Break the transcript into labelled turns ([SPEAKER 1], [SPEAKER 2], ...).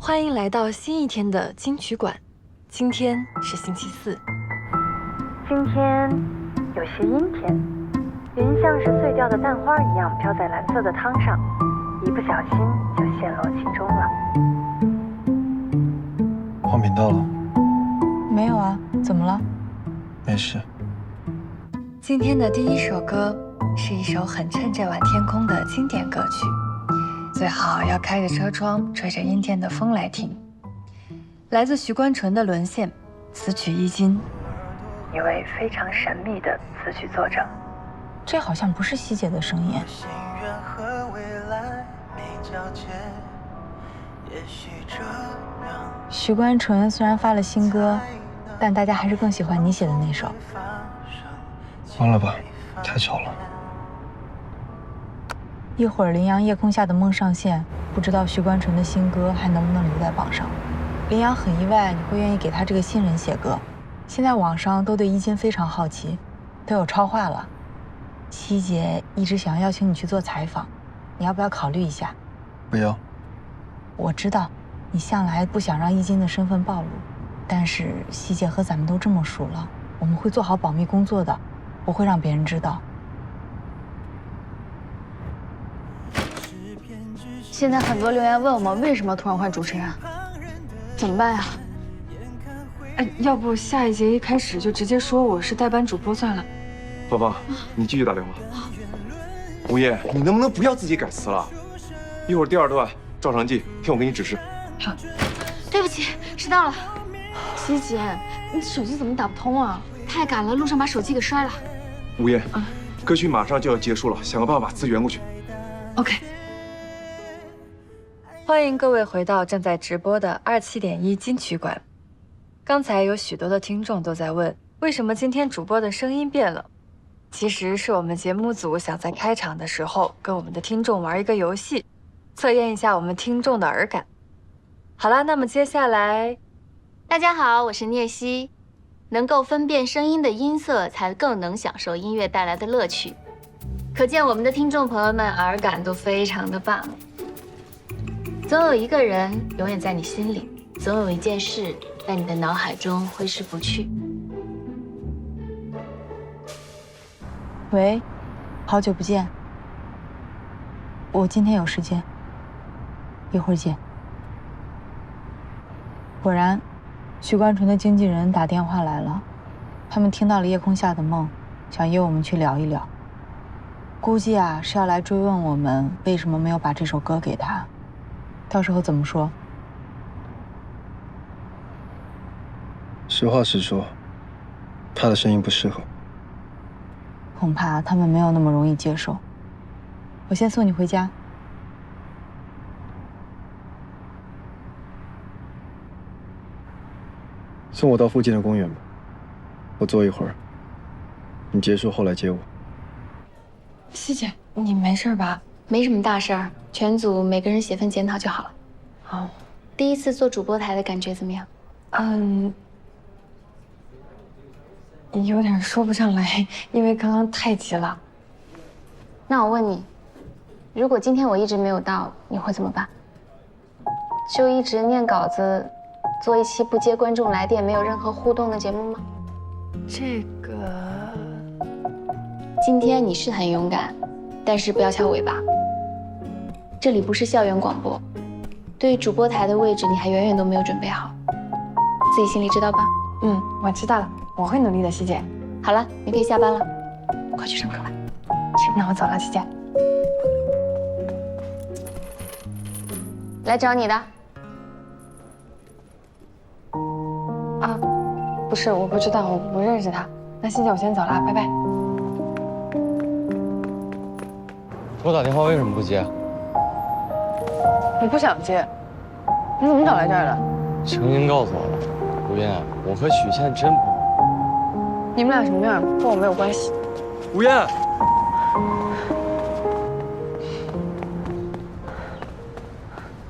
[SPEAKER 1] 欢迎来到新一天的金曲馆。今天是星期四，
[SPEAKER 2] 今天有些阴天，云像是碎掉的蛋花一样飘在蓝色的汤上，一不小心就陷落其中了。
[SPEAKER 3] 换频道了？
[SPEAKER 4] 没有啊，怎么了？
[SPEAKER 3] 没事。
[SPEAKER 1] 今天的第一首歌是一首很衬这晚天空的经典歌曲，最好要开着车窗，吹着阴天的风来听。来自徐关纯的《沦陷》，词曲易经，
[SPEAKER 2] 一位非常神秘的词曲作者。
[SPEAKER 4] 这好像不是希姐的声音。徐关纯虽然发了新歌，但大家还是更喜欢你写的那首。
[SPEAKER 3] 完了吧，太吵了。
[SPEAKER 4] 一会儿林阳夜空下的梦上线，不知道徐关纯的新歌还能不能留在榜上。林阳很意外你会愿意给他这个新人写歌。现在网上都对伊金非常好奇，都有超话了。希姐一直想要邀请你去做采访，你要不要考虑一下？
[SPEAKER 3] 不要。
[SPEAKER 4] 我知道你向来不想让伊金的身份暴露，但是希姐和咱们都这么熟了，我们会做好保密工作的，不会让别人知道。
[SPEAKER 5] 现在很多留言问我们为什么突然换主持人，怎么办呀？
[SPEAKER 1] 要不下一节一开始就直接说我是代班主播算了。
[SPEAKER 6] 芳芳，你继续打电话。吴烨，你能不能不要自己改词了？一会儿第二段照常记，听我给你指示。
[SPEAKER 1] 好。
[SPEAKER 5] 对不起，迟到了。
[SPEAKER 1] 希姐，你手机怎么打不通啊？
[SPEAKER 5] 太赶了，路上把手机给摔了。
[SPEAKER 6] 吴烨，歌曲马上就要结束了，想个办法把资源过去。
[SPEAKER 1] OK。欢迎各位回到正在直播的27.1金曲馆。刚才有许多的听众都在问，为什么今天主播的声音变了？其实是我们节目组想在开场的时候跟我们的听众玩一个游戏，测验一下我们听众的耳感。好啦，那么接下来，
[SPEAKER 5] 大家好，我是聂曦。能够分辨声音的音色，才更能享受音乐带来的乐趣。可见我们的听众朋友们耳感都非常的棒。总有一个人永远在你心里，总有一件事在你的脑海中挥之不去。
[SPEAKER 4] 喂，好久不见。我今天有时间，一会儿见。果然，徐关纯的经纪人打电话来了，他们听到了夜空下的梦，想约我们去聊一聊。估计啊是要来追问我们为什么没有把这首歌给他，到时候怎么说？
[SPEAKER 3] 实话实说，他的声音不适合。
[SPEAKER 4] 恐怕他们没有那么容易接受。我先送你回家。
[SPEAKER 3] 送我到附近的公园吧，我坐一会儿。你结束后来接我。
[SPEAKER 1] 希姐，你没事吧？
[SPEAKER 5] 没什么大事儿，全组每个人写份检讨就好了。
[SPEAKER 1] 好。
[SPEAKER 5] 第一次做主播台的感觉怎么样？
[SPEAKER 1] 有点说不上来，因为刚刚太急了。
[SPEAKER 5] 那我问你，如果今天我一直没有到，你会怎么办？就一直念稿子，做一期不接观众来电、没有任何互动的节目吗？
[SPEAKER 1] 这个，
[SPEAKER 5] 今天你是很勇敢，但是不要翘尾巴。这里不是校园广播，对于主播台的位置，你还远远都没有准备好，自己心里知道吧？
[SPEAKER 1] 我知道了，我会努力的，希姐。
[SPEAKER 5] 好了，你可以下班了，快去上课吧。
[SPEAKER 1] 那我走了，希姐。
[SPEAKER 5] 来找你的。
[SPEAKER 1] 啊，不是，我不知道，我不认识他。那希姐，我先走了，拜拜。
[SPEAKER 7] 我打电话为什么不接？
[SPEAKER 1] 我不想接。你怎么找来这儿的？
[SPEAKER 7] 程英告诉我了，吴燕，我和许倩真不……
[SPEAKER 1] 你们俩什么样，跟我没有关系。
[SPEAKER 7] 吴燕，